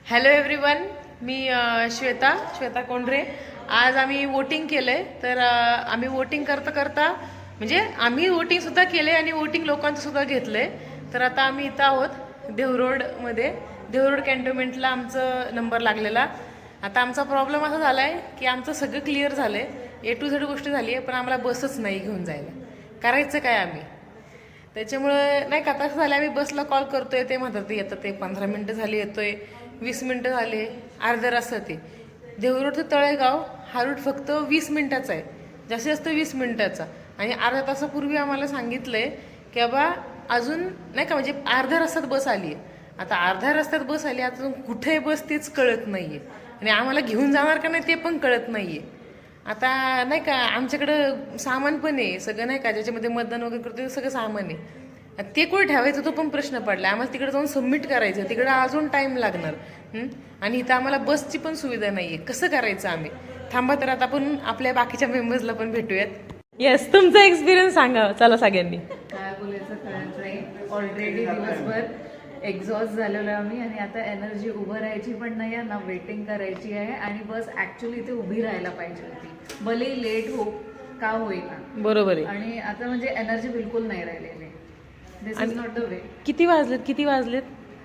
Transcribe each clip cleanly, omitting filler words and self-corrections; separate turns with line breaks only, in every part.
Hello everyone, मी श्वेता कोंढरे. आज आम्ही वोटिंग केलंय. तर आम्ही वोटिंग करता म्हणजे आम्ही वोटिंग सुद्धा केले आणि वोटिंग लोकांचं सुद्धा घेतलंय. तर आता आम्ही इथं आहोत देहरोडमध्ये. देहरोड कॅन्टोन्मेंटला आमचं नंबर लागलेला. आता आमचा प्रॉब्लेम असा झालाय की आमचं सगळं क्लिअर झालंय, A to Z गोष्ट झाली आहे, पण आम्हाला बसच नाही घेऊन जायला. करायचं काय आम्ही? त्याच्यामुळे नाही का, तसं झालं आम्ही बसला कॉल करतोय, ते म्हणतात ते येतं, ते 15 मिनटं झाली येतोय, 20 मिनटं झाले, अर्धा रस्ता. ते देहरोड ते तळेगाव हा रूट फक्त 20 मिनिटाचा आहे, जास्तीत जास्त 20 मिनिटाचा. आणि अर्ध्या तासापूर्वी आम्हाला सांगितलंय की बाबा अजून नाही का, म्हणजे अर्ध्या रस्त्यात बस आली आहे. आता अर्ध्या रस्त्यात बस आली, आता कुठे बस तेच कळत नाहीये, आणि आम्हाला घेऊन जाणार का नाही ते पण कळत नाहीये. आता नाही का, आमच्याकडं सामान पण आहे सगळं, नाही का, ज्याच्यामध्ये मतदान वगैरे करतो ते सगळं सामान आहे. ते कुठे ठेवायचं तो पण प्रश्न पडला. आम्हाला तिकडे जाऊन सबमिट करायचं, तिकडे अजून टाइम लागणार. आणि इथं आम्हाला बसची पण सुविधा नाहीये. कसं करायचं आम्ही? थांबा, तर आता आपण आपल्या बाकीच्या मेंबर्सला पण भेटूयात. येस, तुमचा एक्सपिरियन्स सांगा चला सगळ्यांनी.
काय बोलायचं कळत नाही. ऑलरेडी दिवसभर एक्झॉस्ट झालेलो आहे आम्ही, आणि आता एनर्जी उभं राहायची पण नाही आहे ना, वेटिंग करायची आहे. आणि बस ऍक्च्युली इथे उभी राहायला पाहिजे होती, भले लेट हो का होईना.
बरोबर आहे.
आणि आता म्हणजे एनर्जी बिलकुल नाही राहिलेली. This is not the way.
किती वाजलेत?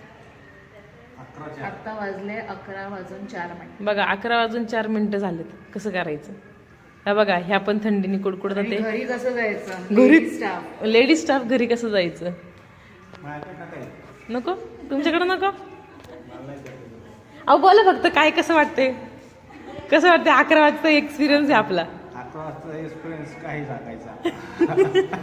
आता वाजले 11:04.
बघा, 11:04 झालेत. कसं करायचं? हा बघा, ह्या पण थंडीने कुडकुडतात.
आणि घरी कसं जायचं?
घरी
स्टाफ,
लेडीज स्टाफ घरी कसं जायचं? नको, तुमच्याकडे नको. अहो बोला फक्त, काय कसं वाटतंय? 11 वाजता एक्सपिरियन्स आहे आपला.
11 वाजता एक्सपिरियन्स काही सांगायचा.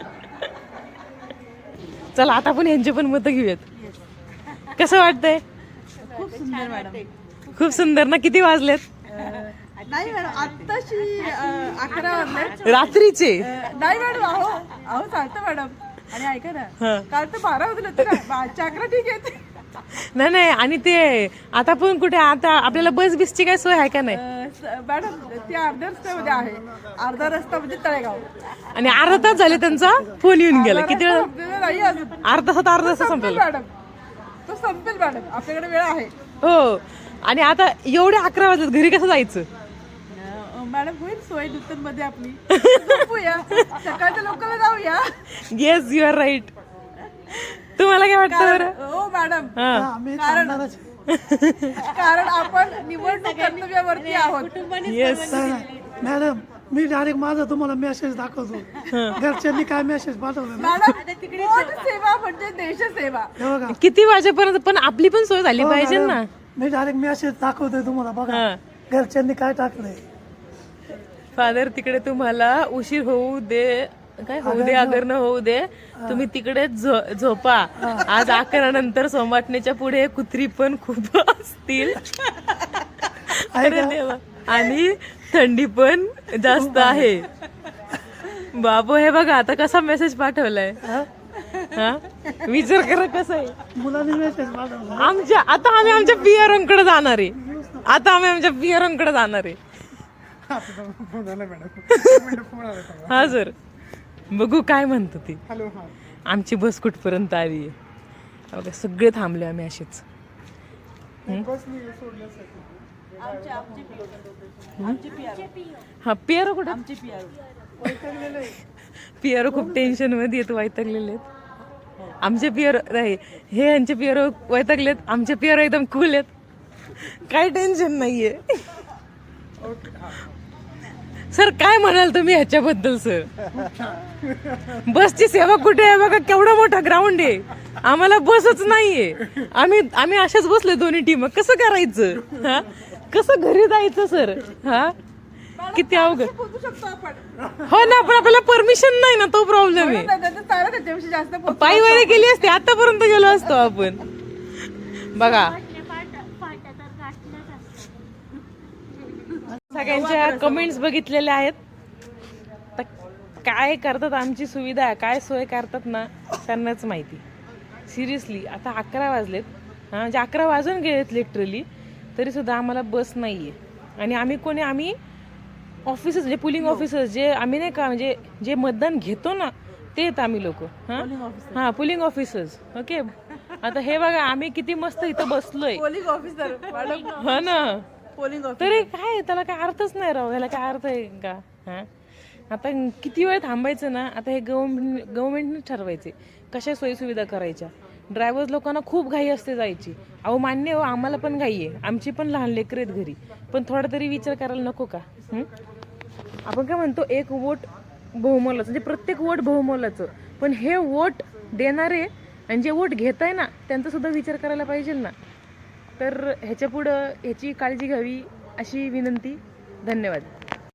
चला आता आपण यांचे पण मतं घेऊयात. कसं वाटतंय?
खूप सुंदर मॅडम.
खूप सुंदर ना. किती वाजलेत?
नाही मॅडम, आत्ताशी 11 वाजले.
रात्रीचे?
नाही मॅडम, अहो चालतं मॅडम. आणि ऐका ना, काल तर 12 वाजले तर 11 ठीक आहे.
नाही, आणि ते आता पण कुठे, आता आपल्याला बस बिसची काय सोय आहे का नाही?
मॅडम ती अर्ध्या रस्त्यामध्ये आहे. अर्धा रस्ता म्हणजे तळेगाव.
आणि अर्धा तास झाले त्यांचा फोन येऊन गेला. किती वेळ?
नाही अजून.
अर्धा तास संपला
मॅडम. तो संपेल मॅडम, आपल्याकडे वेळ आहे.
हो. आणि आता एवढे 11 वाजलेत, घरी कसं जायचं?
मॅडम होईल सोय मध्ये आपली. झोपूया, सकाळच्या लोकांना जाऊया.
Yes, you are right. तुम्हाला काय वाटतं बरं?
हो मॅडम, कारण आपण निवडणूक कर्तव्यावरती आहोत.
येस
मॅडम, मी डायरेक्ट माझा तुम्हाला मेसेज दाखवतो. घरच्यांनी काय मेसेज पाठवलं?
मॅडम, वोट सेवा म्हणजे देशसेवा.
हे बघा,
किती वाजेपर्यंत? पण आपली पण सोय झाली पाहिजे ना.
मी डायरेक्ट मेसेज दाखवतोय तुम्हाला. बघा घरच्यांनी काय टाकलंय.
फादर, तिकडे तुम्हाला उशीर होऊ दे, काय होऊ दे अगर न होऊ दे, तुम्ही तिकडे झोपा. आज 11 नंतर सोमाटण्याच्या पुढे कुत्री पण खूप असतील. अरे देवा. आणि थंडी पण जास्त आहे. बाबू, हे बघा आता कसा मेसेज पाठवलाय. हा, विचार करा कसं आहे.
मुलांनी मेसेज पाठवला.
आता आम्ही आमच्या पियरांकडे जाणार आहे. हा सर, बघू काय म्हणतो ती. आमची बस कुठपर्यंत आली आहे? सगळे थांबले आम्ही असेच. हा, पियारो कुठं? पियारो खूप टेन्शन मध्ये येतो, वैतागलेले आहेत आमचे पियारो. नाही, हे यांचे पियारो वैतागलेत, आमचे पियारो एकदम कूल आहेत, काही टेन्शन नाहीये. सर काय म्हणाल तुम्ही ह्याच्याबद्दल? सर, बसची सेवा कुठे आहे? बघा केवढा मोठा ग्राउंड आहे, आम्हाला बसच नाहीये. आम्ही अशाच बसले दोन्ही टीम. कसं करायचं? हा, कसं घरी जायचं? सर, हा, किती अवघड. हो ना, पण आपल्याला परमिशन नाही ना, तो प्रॉब्लेम आहे.
त्याच्याविषयी जास्त
पायवारी केली असते, आतापर्यंत गेलो असतो आपण. बघा, सगळ्यांच्या कमेंट्स बघितलेल्या आहेत. तर काय करतात, आमची सुविधा काय सोय करतात ना, त्यांनाच माहिती. सिरियसली आता 11 वाजलेत, म्हणजे 11 वाजून गेलेत लिटरली, तरी सुद्धा आम्हाला बस नाहीये. आणि आम्ही ऑफिसर्स, म्हणजे पुलिंग ऑफिसर्स, जे आम्ही नाही का, म्हणजे जे मतदान घेतो ना, ते आहेत आम्ही लोक. हा, पुलिंग ऑफिसर्स. ओके, आता हे बघा आम्ही किती मस्त इथं बसलोय.
पोलिंग ऑफिसर मॅडम,
हा ना.
Polling officer.
तरी काय त्याला काय अर्थच नाही राव, याला काय अर्थ आहे का? हा आता किती वेळ थांबायचं ना, आता हे गव्हर्नमेंटने ठरवायचे कशा सोयीसुविधा करायच्या. ड्रायव्हर्स लोकांना खूप घाई असते जायची. अहो मान्य हो, आम्हाला पण घाई आहे, आमची पण लहान लेकरं आहेत घरी, पण थोडा तरी विचार करायला नको का? आपण काय म्हणतो एक वोट बहुमोलाचं, म्हणजे प्रत्येक वोट बहुमोलाचं, पण हे वोट देणारे आणि जे वोट घेत आहे ना त्यांचा सुद्धा विचार करायला पाहिजे ना. तर ह्याच्या पुढं ह्याची काळजी घ्यावी अशी विनंती. धन्यवाद.